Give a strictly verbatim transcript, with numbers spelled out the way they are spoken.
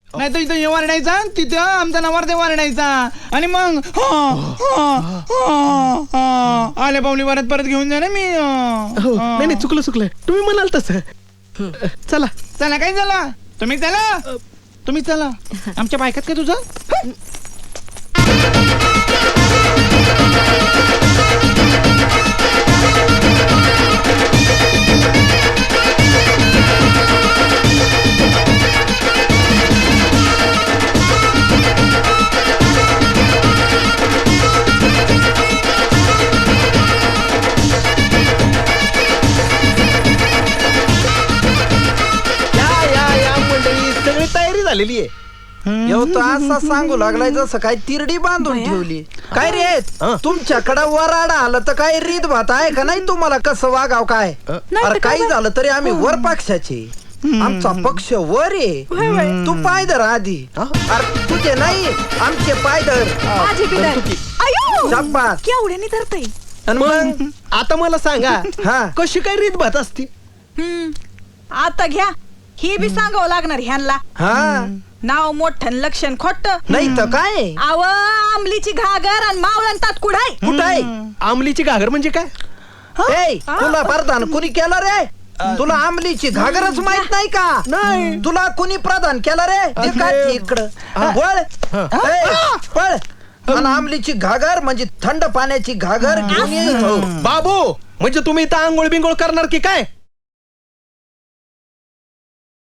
नाही तर इथं वारडायचा तिथं आमचा नवरदेव वारडायचा आणि मग आले पावली वरात परत घेऊन जा ना मी. हो नाही नाही चुकलं चुकलं तुम्ही म्हणाल तसं. चला चला काय झालं तुम्ही चला तुम्ही चला आमच्या बायकात काय तुझं. झालेली आहे. तो असा सांगू लागलाय जसं काय तिरडी बांधून ठेवली. काय रे तुमच्याकडे वराडा आलं तर काय रीत भात आहे का नाही तुम्हाला कसं वागाव काय. अरे काही झालं तरी आम्ही वर पक्षाचे आमचा पक्ष वर आहे. तू पायदर आधी अरे तुझे नाही आमचे पायदर. केवढ्याने धरतय. मग आता मला सांगा हा कशी काय रीत भात असती. आता घ्या हे बी सांगावं लागणार ह्यांना. हा नाव मोठं लक्षण खोट नाही तर काय. आव आमलीची घागर आणि मावळण तात कुडाय. कुठाय आमलीची घागर म्हणजे काय. ए तुला प्रधान कुणी केलं रे. तुला आमलीची घागरच माहित नाही का. नाही तुला कुणी प्रदान केलं रे. इकडं वळ पळ. आणि आमलीची घागर म्हणजे थंड पाण्याची घागर घेऊन ये. बाबू म्हणजे तुम्ही इथं आंघोळ बिंगोळ करणार की काय.